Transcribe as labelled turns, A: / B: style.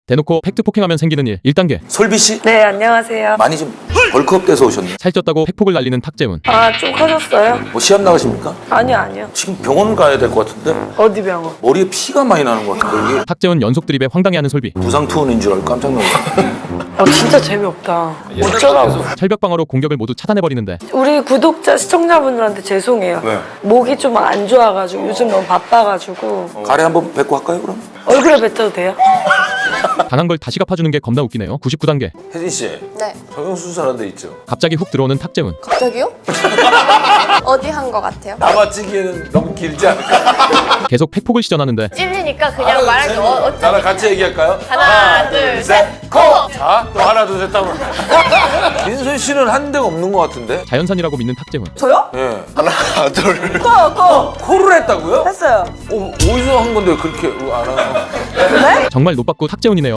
A: 대놓고 팩트 폭행하면 생기는 일 1단계.
B: 솔비 씨?
C: 네, 안녕하세요.
B: 많이 좀 벌크업 돼서 오셨네.
A: 살쪘다고 팩폭을 날리는 탁재훈.
C: 아, 좀 커졌어요?
B: 뭐 시합 나가십니까?
C: 아니요.
B: 지금 병원 가야 될 것 같은데
C: 어디 병원?
B: 머리에 피가 많이 나는 것 같은데 이게
A: 탁재훈 연속 드립에 황당해하는 솔비.
B: 부상 투혼인 줄 알고 깜짝 놀랐어.
C: 진짜 재미없다. 어쩌라고.
A: 철벽 방어로 공격을 모두 차단해버리는데
C: 우리 구독자, 시청자분들한테 죄송해요.
B: 왜?
C: 목이 좀 안 좋아가지고 요즘 너무 바빠가지고
B: 가래 한번 뵙고 할까요 그럼?
C: 얼굴에 뱉어도 돼요?
A: 당한 걸 다시 갚아주는 게 겁나 웃기네요. 99단계.
B: 혜진 씨
D: 네.
B: 성형수술한 데 있죠?
A: 갑자기 훅 들어오는 탁재훈.
D: 갑자기요? 어디 한 거 같아요?
B: 남아찌기에는 너무 길지 않을까?
A: 계속 팩폭을 시전하는데
D: 찔리니까 그냥 말하기 어쩌
B: 나랑 같이 얘기할까요?
D: 하나, 둘, 셋, 고!
B: 자, 또 하나 둘 셋 하면 민선 씨는 한 데가 없는 것 같은데?
A: 자연산이라고 믿는 탁재훈.
C: 저요?
B: 예. 하나 둘
C: 거!
B: 코를 했다고요?
C: 했어요.
B: 어디서 한 건데 그렇게 안 하나?
A: 정말 노빠꾸 탁재훈이네요.